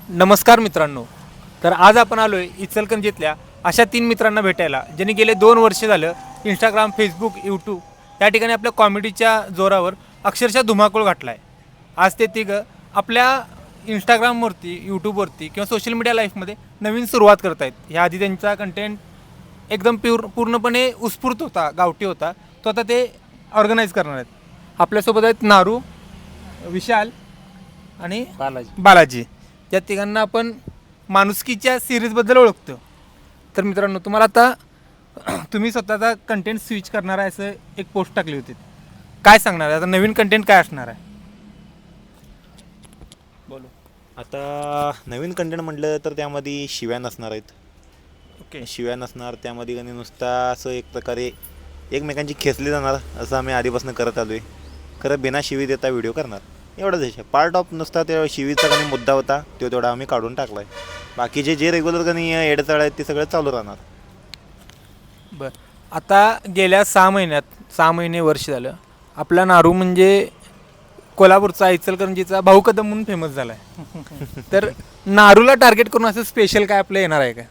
नमस्कार मित्रांनो. तर आज आपण आलो आहे इचलकरंजीतल्या अशा 3 मित्रांना भेटायला ज्यांनी गेले 2 वर्ष झालं इंस्टाग्राम, फेसबुक, यूट्यूब या ठिकाणी आपल्या कॉमेडीच्या जोरावर अक्षरशः धुमाकूळ घातला आहे. आज ते तिघं आपल्या इंस्टाग्रामवरती, यूट्यूबवरती किंवा सोशल मीडिया लाईफमध्ये नवीन सुरुवात करत आहेत. ह्याआधी त्यांचा कंटेंट एकदम पूर्णपणे उत्स्फूर्त होता, गावठी होता. तो आता ते ऑर्गनाईज करणार आहेत. आपल्यासोबत आहेत नारू, विशाल आणि बालाजी. या तिघांना आपण माणुसकीच्या सिरीजबद्दल ओळखतो. तर मित्रांनो, तुम्हाला आता तुम्ही स्वतःचा कंटेंट स्विच करणार आहे असं एक पोस्ट टाकली होती. काय सांगणार आहे आता नवीन कंटेंट काय असणार आहे? बोलो. आता नवीन कंटेंट म्हटलं तर त्यामध्ये शिव्या नसणार आहेत. ओके. शिव्या नसणार त्यामध्ये आणि नुसता असं एक प्रकारे एकमेकांची खेचली जाणार असं आम्ही आधीपासून करत आलो आहे. खरं बिना शिवी देता व्हिडिओ करणार एवढंच आहे. पार्ट ऑफ नुसता त्या शिवीचा काही मुद्दा होता तो तेवढा आम्ही काढून टाकला आहे. बाकीचे जे रेग्युलर काही एडचाळ आहेत ते सगळं चालू राहणार. बरं, आता गेल्या 6 महिने वर्ष झालं आपला नारू म्हणजे कोल्हापूरचा, इचलकरंजीचा भाऊ कदम म्हणून फेमस झाला आहे. तर नारूला टार्गेट करून असं स्पेशल काय आपलं येणार आहे का?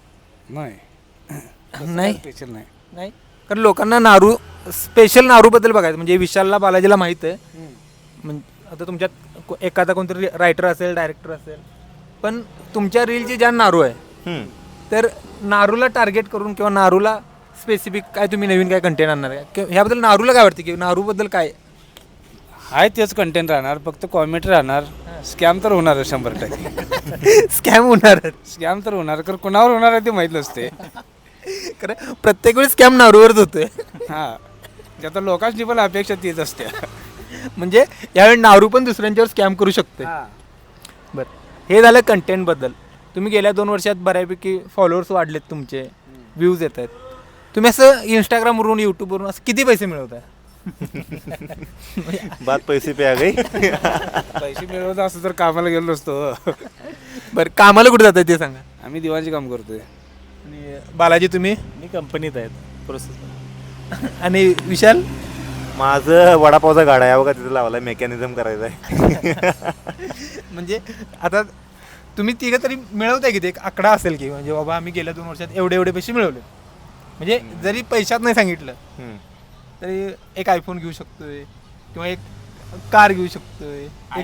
नाही स्पेशल नाही. नाही, कारण लोकांना स्पेशल नारूबद्दल बघायचं म्हणजे विशालला, बालाजीला माहीत आहे. म्हणजे आता तुमच्यात एखादा कोणतरी रायटर असेल, डायरेक्टर असेल, पण तुमच्या रीलची ज्या नारू आहे तर नारूला टार्गेट करून किंवा नारूला स्पेसिफिक काय तुम्ही नवीन काय कंटेंट आणणार आहे किंवा ह्याबद्दल नारूला काय वाटतं की नारूबद्दल काय आहे तेच कंटेंट राहणार, फक्त कॉमेडी राहणार. स्कॅम तर होणार 100%. स्कॅम होणार? स्कॅम तर होणार, कारण कोणावर होणार आहे ते माहीत नसते. खरं प्रत्येक वेळी स्कॅम नारूवरच होतोय. हां, ते आता लोकांची पण अपेक्षा तीच असते. म्हणजे यावेळी नारू पण दुसऱ्यांच्यावर स्कॅम करू शकते. बरं, हे झालं कंटेंटबद्दल. तुम्ही गेल्या 2 वर्षात बऱ्यापैकी फॉलोअर्स वाढलेत, तुमचे व्ह्यूज येत आहेत. तुम्ही असं इंस्टाग्रामवरून, यूट्यूबवरून असं किती पैसे मिळवताय? बात पैसे पे आ गई. पैसे मिळवत असं तर कामाला गेलो नसतो. बरं, कामाला कुठे जात आहे ते सांगा. आम्ही दिवाणचे काम करतोय. आणि बालाजी तुम्ही? मी कंपनीत आहेत प्रोसेस. आणि विशाल? माझं वडापावचा गाडा आहे बघा, तिथं लावला मेकॅनिझम करायचं आहे. म्हणजे आता तुम्ही तिघं तरी मिळवताय की ते एक आकडा असेल की म्हणजे बाबा आम्ही गेल्या 2 वर्षात एवढे पैसे मिळवले. म्हणजे जरी पैशात नाही सांगितलं तरी एक आयफोन घेऊ शकतोय किंवा एक कार घेऊ शकतोय.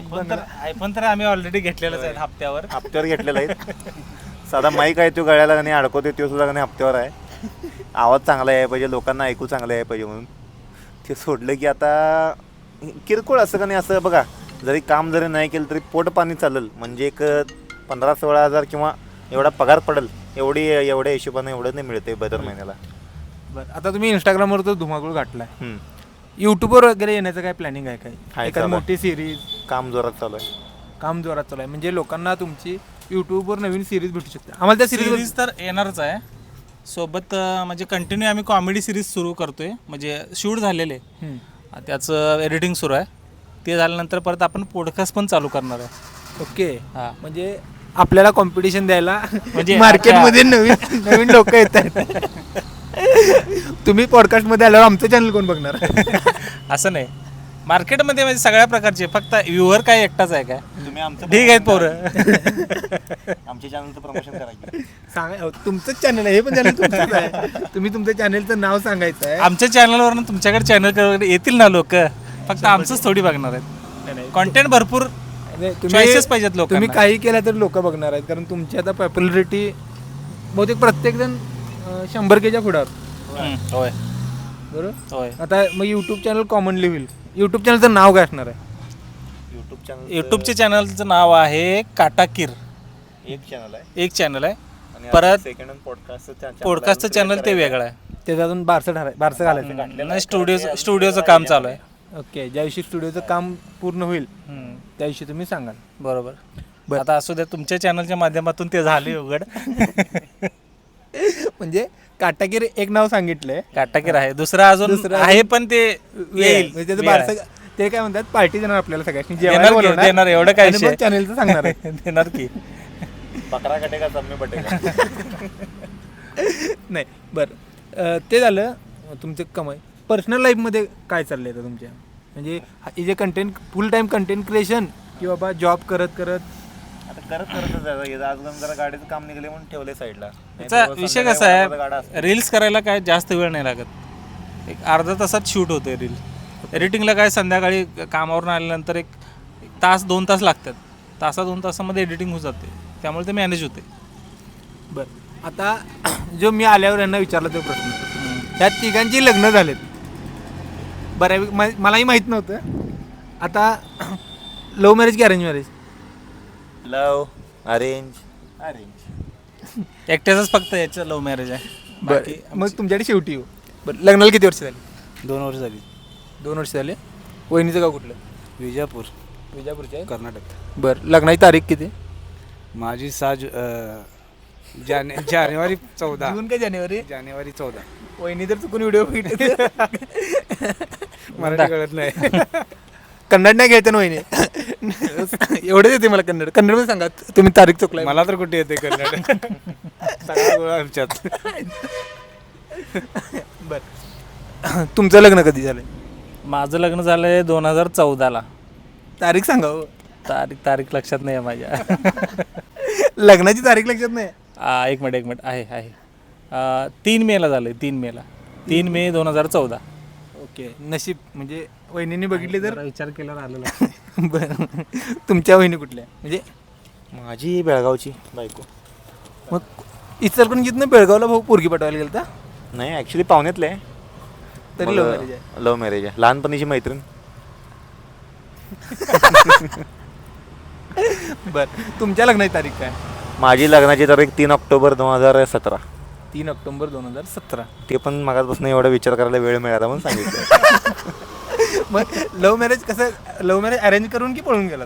आयफोन तर आम्ही ऑलरेडी घेतलेलाच आहे हप्त्यावर घेतलेला आहे. साधा माईक आहे तो गळ्याला आणि अडकवते तो सुद्धा आणि हप्त्यावर आहे. आवाज चांगला आहे पाहिजे, लोकांना ऐकू चांगलं आहे पाहिजे म्हणून ते सोडलं की आता किरकोळ असं का नाही. असं बघा, जरी काम जरी नाही केलं तरी पोट पाणी चालेल म्हणजे एक 15-16 हजार किंवा एवढा पगार पडेल एवढ्या हिशोबाने एवढं नाही मिळते दर महिन्याला. बरं, आता तुम्ही इंस्टाग्रामवर तर धुमाकूळ घातलाय. यूट्यूबवर वगैरे येण्याचं काय प्लॅनिंग आहे काय? एखादी मोठी सिरीज? काम जोरात चालू आहे. काम जोरात चालू आहे म्हणजे लोकांना तुमची यूट्यूबवर नवीन सिरीज भेटू शकते. आम्हाला त्या सिरीज तर येणारच आहे. सोबत म्हणजे कंटिन्यू आम्ही कॉमेडी सिरीज सुरू करतोय. म्हणजे शूट झालेले, त्याचं एडिटिंग सुरू आहे. ते झाल्यानंतर परत आपण पॉडकास्ट पण चालू करणार आहे. ओके. हां, म्हणजे आपल्याला कॉम्पिटिशन द्यायला म्हणजे मार्केटमध्ये नवीन लोक येत आहेत. तुम्ही पॉडकास्टमध्ये आल्यावर आमचं चॅनल कोण बघणार? असं नाही, मार्केटमध्ये म्हणजे सगळ्या प्रकारचे, फक्त व्ह्यूअर काय एकटाच आहे काय? तुम्ही आमचं ठीक आहेत पोरं. आमच्या चॅनलचं प्रमोशन करायचं. सांगा, तुमचंच चॅनल आहे हे पण चॅनल तुमचंच आहे. तुम्ही तुमच्या चॅनलचं नाव सांगायचं आहे. आमच्या चॅनलवरून तुमच्याकडे चॅनल येतील ना लोक, फक्त आमचंच थोडी बघणार आहेत. कॉन्टेंट भरपूर चॉईसेस पाहिजेत लोक. तुम्ही काही केलं तर लोक बघणार आहेत, कारण तुमची आता पॉप्युलरिटी बहुतेक प्रत्येकजण 100Kच्या पुढं. होय बरोबर. होय. आता मग यूट्यूब चॅनल कॉमनली होईल. यूट्यूब चॅनलचं नाव काय असणार आहे? यूट्यूबच्या चॅनलचं नाव आहे काटाकीर. एक चॅनल आहे. परत पॉडकास्टचं चॅनल ते वेगळं आहे. त्याच्यातून बारसं घालायचं. नाही, स्टुडिओचं काम चालू आहे. ओके. ज्या दिवशी स्टुडिओचं काम पूर्ण होईल त्या दिवशी तुम्ही सांगाल. बरोबर. आता असू द्या, तुमच्या चॅनलच्या माध्यमातून ते झाले उघड. म्हणजे काटाकीर एक नाव सांगितलंय, काटाकीर आहे. दुसरं अजून आहे पण ते येईल. त्याचं बारसं ते काय म्हणतात, पार्टी देणार आपल्याला सगळ्यांनी, देणार. एवढं काय चॅनलचं सांगणार आहे. देणार की बकरा कटेगा सब बटेगा. नाही. बरं, ते झालं तुमचं कमाई. पर्सनल लाईफमध्ये काय चाललंय आता तुमच्या? म्हणजे हे जे content full time content creation की बाबा जॉब करत आता करतच आज जरा गाडीचं काम निघले म्हणून ठेवले साईडला. त्याचा विषय कसा आहे, रील्स करायला काय जास्त वेळ नाही लागत, एक अर्धा तासात शूट होते रील. एडिटिंगला काय संध्याकाळी कामावरून आल्यानंतर एक तास 2 तास लागतात, तासा 2 तासामध्ये एडिटिंग होऊन जाते, त्यामुळे ते मॅनेज होते. बरं, आता जो मी आल्यावर यांना विचारला तो प्रश्न, ह्या तिघांची लग्न झालेत बऱ्यापैकी, मलाही माहीत नव्हतं. आता लव्ह मॅरेज की अरेंज मॅरेज? Love arrange. एकट्याच फक्त याचं लव्ह मॅरेज आहे. बाकी मग तुमच्याकडे शेवटी हो. बरं, लग्नाला किती वर्ष झाली? 2 वर्ष झाली. 2 वर्ष झाले. वहिनीचं गाव कुठलं? विजापूर, विजापूरचे आहे. कर्नाटक. बरं, लग्नाची तारीख किती? माझी जानेवारी 14. जून का जानेवारी? जानेवारी 14. वहिनी तर चुकून व्हिडिओ बघितले. मराठी कळत नाही. कन्नड नाही घ्यायचं ना वहिनी. एवढंच येते मला कन्नड. कन्नडमध्ये सांगा तुम्ही तारीख चुकलाय. मला तर कुठे येते कन्नड. सगळा गोळा आमच्यात. बरं, तुमचं लग्न कधी झालं? माझं लग्न झालं आहे 2014ला. तारीख सांगा हो. तारीख लक्षात नाही आहे माझ्या. लग्नाची तारीख लक्षात नाही? एक मिनिट आहे 3 मेला झालं आहे. 3 मे 2014. ओके, नशीब म्हणजे वहिनीने बघितले तर विचार केल्यावर आलेला. बरं, तुमच्या वहिनी कुठल्या? म्हणजे माझी बेळगावची बायको. मग इचलकरंजीतनं बेळगावला भाऊ पोरगी पाठवायला गेलं तर? नाही, ॲक्च्युली पाहुण्यातलं आहे. तरी लव्ह मॅरेज आहे? लव्ह मॅरेज आहे, लहानपणीची मैत्रीण. बरं, तुमच्या लग्नाची तारीख काय? माझी लग्नाची तारीख 3 ऑक्टोबर 2017. 3 ऑक्टोबर 2017. ते पण मागापासून एवढा विचार करायला वेळ मिळाला म्हणून सांगितलं. मग लव्ह मॅरेज कसं, लव्ह मॅरेज अरेंज करून की पळून गेलात?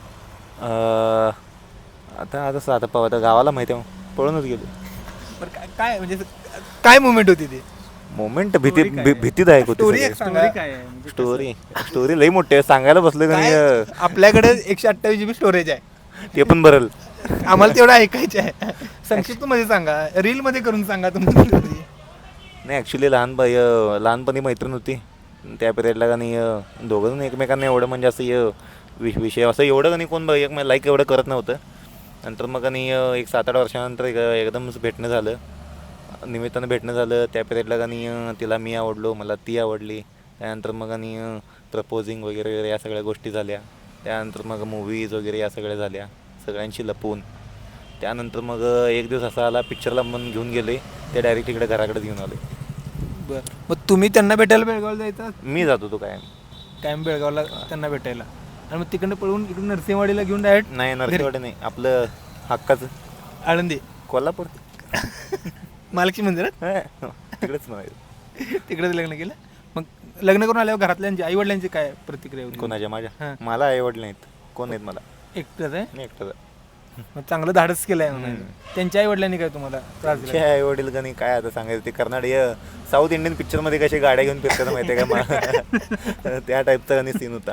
आता गावाला माहिती आहे पळूनच गेलो. बरं, काय म्हणजे काय मुवमेंट होती ती? मोमेंट भीतीदायक स्टोरी होती. एक सांगा. स्टोरी लई मोठी आहे, सांगायला बसलं का काय? नाही आपल्याकडे 128 GB स्टोरेज आहे, ते पण भरल. आम्हाला तेवढं ऐकायचं आहे. संक्षिप्त मध्ये सांगा, रील मध्ये करून सांगा तुमची स्टोरी. नाही, ॲक्च्युली लहानपणी मैत्रीण होती. त्या पिरियडला का नाही दोघं जण एकमेकांना एवढं म्हणजे असं विषय असं एवढं का नाही कोण लाईक एवढं करत नव्हतं. नंतर मग आणि एक 7-8 वर्षानंतर एकदम भेटणं झालं, निमित्तानं भेटणं झालं. त्या पिरियडला का नाही तिला मी आवडलो, मला ती आवडली. त्यानंतर मग आणि प्रपोजिंग वगैरे या सगळ्या गोष्टी झाल्या. त्यानंतर मग मूवीज वगैरे या सगळ्या झाल्या, सगळ्यांशी लपून. त्यानंतर मग एक दिवस असा आला, पिक्चरला मन घेऊन गेले, ते डायरेक्ट इकडे घराकडे घेऊन आले. बरं, मग तुम्ही त्यांना भेटायला बेळगावला जायचा? मी जात होतो कायम बेळगावला त्यांना भेटायला, आणि मग तिकडनं पळून इकडून नरसिंहवाडीला घेऊन डायरेक्ट? नाही, नरसिंहवाडी नाही, आपलं हक्काचं आळंदी, कोल्हापूर. महालक्ष्मी मंदिरात तिकडेच म्हणायचं. तिकडेच लग्न केलं. मग लग्न करून आल्यावर घरातल्यांची, आई वडिलांची काय प्रतिक्रिया होती? कोणाच्या? माझ्या? हां. मला आवडले नाहीत. कोण नाहीत मला. एकटंच आहे? मी एकटाच. मग चांगलं धाडस केलं आहे. त्यांच्या आई वडिलांनी काय तुम्हाला त्रास दिला? आई वडील का नाही काय आता सांगायचं, ते कर्नाटक साऊथ इंडियन पिक्चरमध्ये कसे गाड्या घेऊन फिरतात माहिती आहे का मला. त्या टाईपचा आणि सीन होता,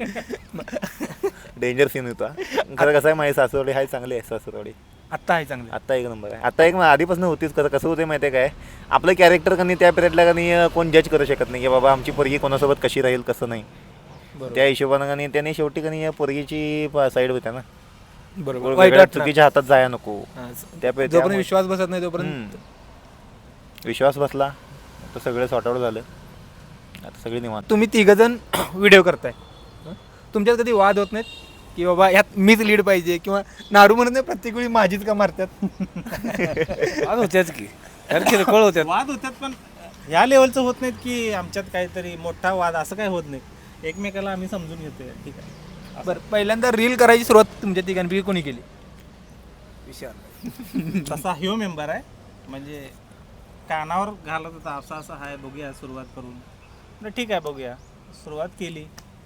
डेंजर सीन होता. खरं कसं आहे, माझी सासूरवाडी हाय चांगली आहे. सासूरवाडी आत्ता आहे चांगलं? आत्ता एक नंबर आहे. आत्ता एक आधीपासून होतीच. कसं होते माहिती आहे काय, आपलं कॅरेक्टर का नाही त्या पिरियडला का नाही कोण जज करू शकत नाही की बाबा आमची पोरगी कोणासोबत कशी राहील कसं नाही. त्या हिशोबानं का नाही त्याने शेवटी का नाही पोरगीची साईड होत्या ना. बरोबर, वाईट वाटतं. चुकीच्या हातात जाया नको. जोपर्यंत विश्वास बसत नाही तोपर्यंत. विश्वास बसला तर सगळं सॉर्ट आउट झालं. आता सगळे निवांत. तुम्ही तिघजण व्हिडिओ करताय, तुमच्यात कधी वाद होत नाहीत की बाबा ह्यात मीच लीड पाहिजे, किंवा नारू म्हणत नाही प्रत्येक वेळी माझीच का मारतात? वाद होत्याच की, किरकोळ होत्यात. वाद होतात, पण ह्या लेवलचं होत नाहीत की आमच्यात काहीतरी मोठा वाद असं काही होत नाही. एकमेकाला आम्ही समजून घेतोय. ठीक आहे. बरं, पहिल्यांदा रील करायची सुरुवात तुमच्या तिघांपैकी कोणी केली? विशाल. तसा ह्यो मेंबर आहे, म्हणजे कानावर घालत होता असं असं आहे, बघूया सुरुवात करून. म्हटलं ठीक आहे बघूया, सुरुवात केली.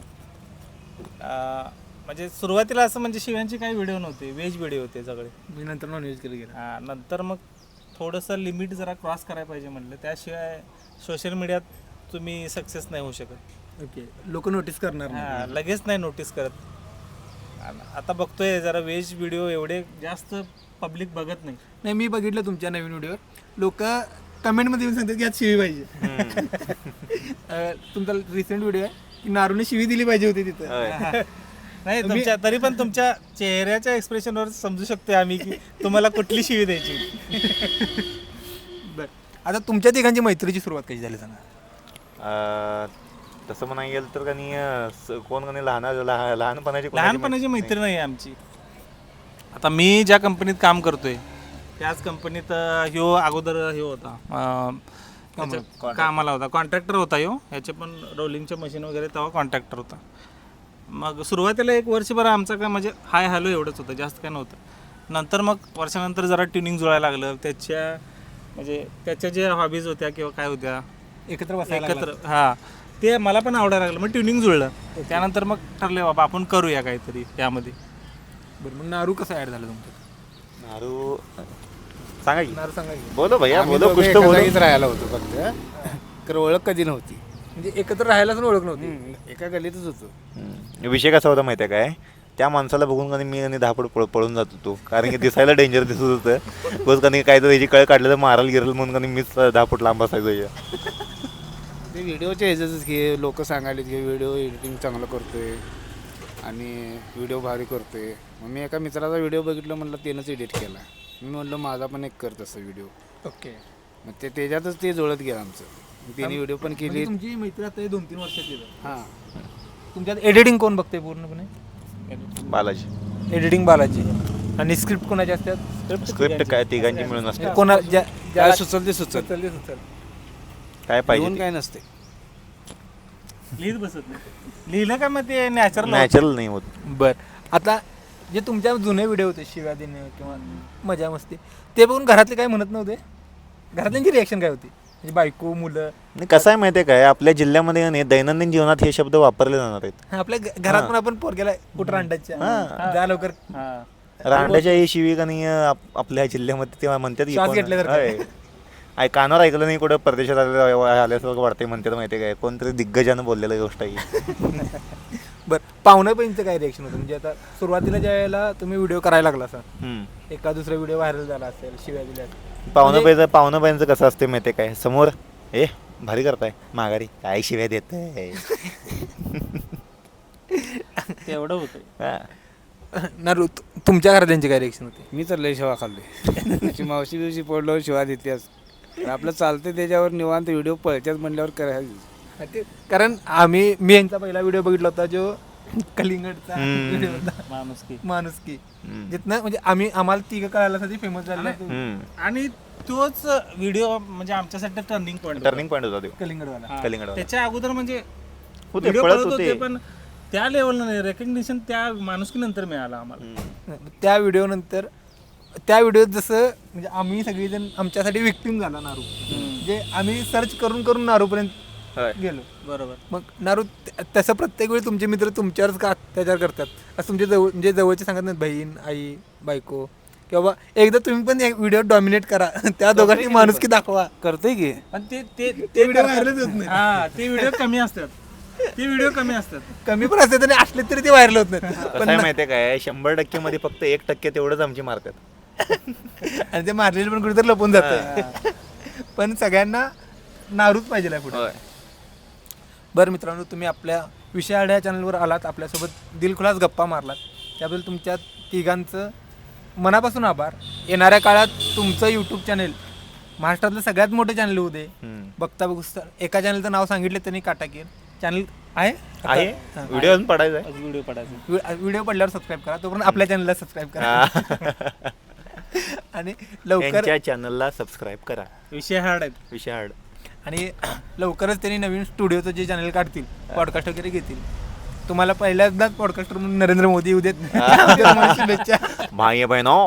म्हणजे सुरुवातीला असं म्हणजे शिव्यांचे काही व्हिडिओ नव्हते, व्हेज व्हिडिओ होते सगळे. मी नंतर नॉनव्हेज केलं गेलं. नंतर मग थोडंसं लिमिट जरा क्रॉस करायला पाहिजे म्हटलं. त्याशिवाय सोशल मीडियात तुम्ही सक्सेस नाही होऊ शकत. ओके, लोक नोटीस करणार नाही. लगेच नाही नोटीस करत. आता बघतोय जरा व्हेज व्हिडिओ एवढे जास्त पब्लिक बघत नाही. नाही, मी बघितलं तुमच्या नवीन व्हिडिओवर लोक कमेंटमध्ये येऊन सांगतात की यात शिवी पाहिजे. तुमचा रिसेंट व्हिडिओ आहे की नारूने शिवी दिली पाहिजे होती तिथं. नाही तुमच्या तरी पण तुमच्या चेहऱ्याच्या एक्सप्रेशनवर समजू शकतो आम्ही की तुम्हाला कुठली शिवी द्यायची. बरं, आता तुमच्या तिघांची मैत्रीची सुरुवात कशी झाली सांगा. तसं म्हणायला गेलं तर कनी कोण कनी लहानपणाची कोणाची लहानपणाची मैत्री नाही आमची. आता मी ज्या कंपनीत काम करतोय त्याच कंपनीत ह्यो अगोदर ह्यो होता कामाला होता, कॉन्ट्रॅक्टर होता ह्यो. ह्याचे पण रोलिंगचे मशीन वगैरे तेव्हा कॉन्ट्रॅक्टर होता. मग सुरुवातीला 1 वर्षभर आमचं काय म्हणजे हाय हॅलो एवढंच होतं, जास्त काय नव्हतं. नंतर मग वर्षानंतर जरा ट्युनिंग जुळायला लागलं. त्याच्या ज्या हॉबीज होत्या किंवा काय होत्या एकत्र हां ते मला पण आवडायला लागलं. मग ट्युनिंग जुळलं. त्यानंतर मग ठरले बाबा आपण करूया काहीतरी यामध्ये. बरं, मग नारू कसं ॲड झालं तुमचं. नारू सांगा की. नारू सांगा की. बोलो भैया आम्ही बोलो दोघं कुछ एका तो बोलो. जागीच राहायला होतो फक्त, तर ओळख कधी नव्हती. म्हणजे एकत्र राहायलाच ओळख नव्हती. एका गलीतच होतो. विषय कसा होता माहिती आहे काय, त्या माणसाला बघून कधी मी आणि 10 फूट पळून जात होतो, कारण की दिसायला डेंजर दिसत होतं. बस कधी काय तर त्याची कळ काढलं तर मारायला गिरल म्हणून कधी मीच 10 फूट लांब असायचो. ते व्हिडिओच्या ह्याच्यातच की लोक सांगायले की व्हिडिओ एडिटिंग चांगलं करतोय आणि व्हिडिओ भारी करतोय. मग मी एका मित्राचा व्हिडिओ बघितलं, म्हणलं त्यानंच एडिट केला. मी म्हणलं माझा पण एक कर तसं व्हिडिओ. ओके. मग त्याच्यातच ते जुळत गेलं आमचं. त्याने व्हिडिओ पण केली. तुमची मैत्री आता 2-3 वर्षाची. हां, तुमच्यात एडिटिंग कोण बघते पूर्णपणे. बालाजी एडिटिंग बालाजी आणि स्क्रिप्ट कोणाची असतात. स्क्रिप्ट काय तिघांची मिळून असते. कोणा काय सुचल ते सुचल, काय येऊन पाहिजे काय नसते. लिहित बसत नाही. लिहिलं का मग ते नॅचरल नॅचरल नाही होत. बर, आता जे तुमच्या जुने व्हिडिओ होते शिव्या देणे किंवा मजा मस्ती, ते बघून घरातले काय म्हणत नव्हते. घरातल्यांची रिॲक्शन काय होती. म्हणजे बायको मुलं. आणि कसं आहे माहिती आहे काय, आपल्या जिल्ह्यामध्ये नाही दैनंदिन जीवनात हे शब्द वापरले जाणार आहेत. आपल्या घरात पण आपण पोरग्याला कुठं रांडायच्या जा लवकर. रांडाच्या ही शिवी का नाही आपल्या जिल्ह्यामध्ये तेव्हा म्हणतात की श्वास कोण- घेतल्यासारखं. होय. कानावर ऐकलं नाही, कुठं परदेशात आल्यासारखं वाटतंय म्हणतात. माहिती आहे काय, कोणतरी दिग्गजानं बोललेलं गोष्ट आहे. बरं, पाहुण्यापर्यंत काय रिॲक्शन होतं. म्हणजे आता सुरुवातीला ज्या वेळेला तुम्ही व्हिडिओ करायला लागला असा, एका दुसरा व्हिडिओ व्हायरल झाला असेल, शिव्या दिल्या असतील. पाहुणं कसं असते माहिती आहे काय, समोर भारी करताय, माघारी काय शिव्या देत तेवढं होतं. नारू, तुमच्या घरातल्यांची काय रिॲक्शन होती. मी तर लय शिवा खाल्ले. मावशी दिवशी पडलो शिवा देतेस. आपलं चालते त्याच्यावर निवांत व्हिडिओ पळत्याच म्हणल्यावर करायचं. कारण मी यांचा पहिला व्हिडिओ बघितला होता जो कलिंगडचा व्हिडिओ होता, माणुसकी. जिथनं म्हणजे आम्हाला तिघं कळायला फेमस झालं. आणि तोच व्हिडिओ म्हणजे आमच्यासाठी टर्निंग पॉईंट होता तो कलिंगडवाला. त्याच्या अगोदर म्हणजे होते, व्हिडिओ पळत पळत होते. होते, पण त्या लेवलनं रेकग्निशन त्या माणुसकीनंतर मिळालं आम्हाला. त्या व्हिडिओत जसं म्हणजे आम्ही सगळेजण आमच्यासाठी विक्टिम झाला नारू. म्हणजे आम्ही सर्च करून करून नारूपर्यंत गेलो. बरोबर. मग नारू तसं प्रत्येक वेळी तुमचे मित्र तुमच्यावरच का अत्याचार करतात. असं तुमच्या म्हणजे जवळचे सांगत नाहीत, बहीण आई बायको, किंवा एकदा तुम्ही पण व्हिडिओ डॉमिनेट करा, त्या दोघांनी माणुसकी दाखवा. करतोय की. आणि ते व्हिडिओ व्हायरलच होत नाही. हा ते व्हिडिओ कमी असतात. कमी पण असते आणि असले तरी ते व्हायरल होत नाही. पण माहितीये काय, 100% मध्ये फक्त 1% तेवढंच आमची मारतात. आणि ते मारलेले पण कुठेतरी लपून जातं. पण सगळ्यांना नारूच पाहिजे पुढे. बरं मित्रांनो, तुम्ही आपल्या विषय आढ्या चॅनलवर आलात, आपल्यासोबत दिलखुलास गप्पा मारलात, त्याबद्दल तुमच्या तिघांचं मनापासून आभार. येणाऱ्या काळात तुमचं यूट्यूब चॅनेल महाराष्ट्रातलं सगळ्यात मोठं चॅनल होऊ दे. बघता एका चॅनलचं नाव सांगितलं त्यांनी, काटाकीर चॅनल आहे. व्हिडिओ पडायचा व्हिडिओ पडल्यावर सबस्क्राईब करा. तोपर्यंत आपल्या चॅनलला सबस्क्राईब करा. आणि लवकर चॅनलला सबस्क्राईब करा. विषय हार्ड. आणि लवकरच त्यांनी नवीन स्टुडिओचं जे चॅनल काढतील, पॉडकास्ट वगैरे घेतील. तुम्हाला पहिल्यांदाच पॉडकास्टर म्हणून नरेंद्र मोदी येऊ देत. शुभेच्छा भाई बहिणो.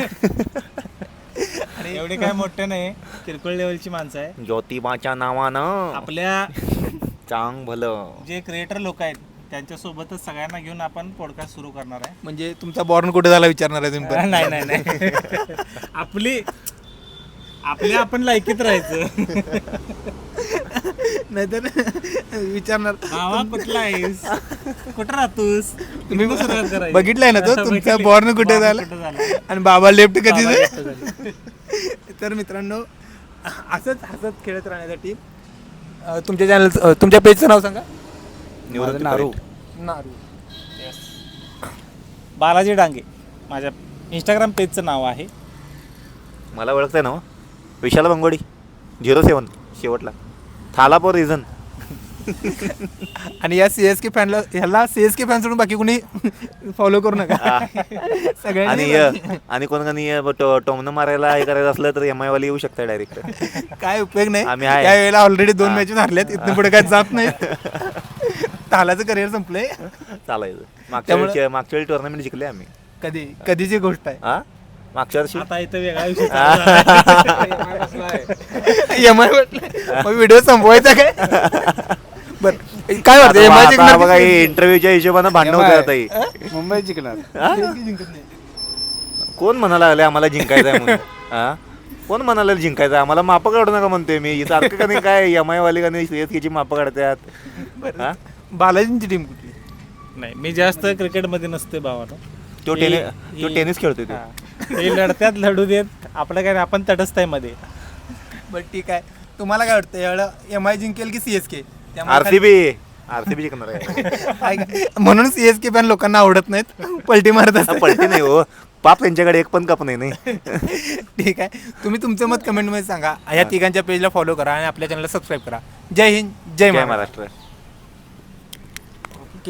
आणि एवढे काय मोठे नाही, किरकोळ लेवलची माणसं आहे. ज्योतिबाच्या नावानं आपल्या चांग भलं जे क्रिएटर लोक आहेत त्यांच्यासोबतच सगळ्यांना घेऊन आपण पॉडकास्ट सुरू करणार आहे. म्हणजे तुमचा बॉर्न कुठे झाला विचारणार आहे तुम्ही. नाही आपल्या आपण लायकीत राहायचं. नाहीतर विचारणार भावा कुठला आहेस, कुठं राहतोस, तुम्ही सुरुवात करायची. बघितलाय ना तो तुमचा बॉर्न कुठे झाला आणि बाबा लेफ्ट कधी. तर मित्रांनो, असंच हसत खेळत राहण्यासाठी तुमच्या चॅनल तुमच्या पेजचं नाव सांगा. नारू. नारू. बालाजी डांगे माझ्या इंस्टाग्राम पेजचं नाव आहे. मला ओळखताय ना हो? विशाल बंगोडी 07 शेवटला थालापोर रिझन. आणि या CSK फॅनला ह्याला CSK फॅन सोडून बाकी कोणी फॉलो करू नका. आणि सगळ्यांनी आणि कोण टोमनं मारायला हे करायचं असलं तर MI वाले येऊ शकता डायरेक्ट. काय उपयोग नाही. आम्ही आहे. त्या वेळेला ऑलरेडी 2 मॅचेस हरल्यात, इथून पुढे काय जात नाही. तालाचं करिअर संपलंय. चालायचं. त्यामुळे- मागच्या वेळी टुर्नामेंट जिंकले आम्ही. कधीची गोष्ट आहे. हा मागच्या वर्षी आता इथं वेगळा विषय MI म्हटलं मग व्हिडिओ संपवायचा काय? बर काय वाटतं MI जिंकणार बघा की इंटरव्ह्यूच्या हिशोबानं भांडण होतं आता ही. मुंबई जिंकणार. CSK जिंकत नाही? कोण म्हणायला लागले आम्हाला जिंकायचं आहे म्हणून? हा कोण म्हणाला जिंकायचं आहे? आम्हाला मापं काढू नका म्हणतोय मी. सारखं का नाही काय MI वाले का नाही CSKची मापं काढतात. हा बालाजींची टीम कुठली? नाही, मी जास्त क्रिकेटमध्ये नसते भावानं. तो टेनिस खेळतोय तो. ते लढत्यात लढू देत, आपलं काय नाही, आपण तटस्थ आहे मध्ये. बरं ठीक आहे. तुम्हाला काय वाटतं यावेळेला MI जिंकेल की CSK? आरसीबी जिंकणार आहे. म्हणून CSK फॅन लोकांना आवडत नाहीत, पलटी मारत असतात. पलटी नाही हो, पाप त्यांच्याकडे एक पण कप नाही. ठीक आहे. तुम्ही तुमचं मत कमेंटमध्ये सांगा. ह्या तिघांच्या पेजला फॉलो करा आणि आपल्या चॅनलला सबस्क्राईब करा. जय हिंद, जय जय महाराष्ट्र. महाराष्ट्र.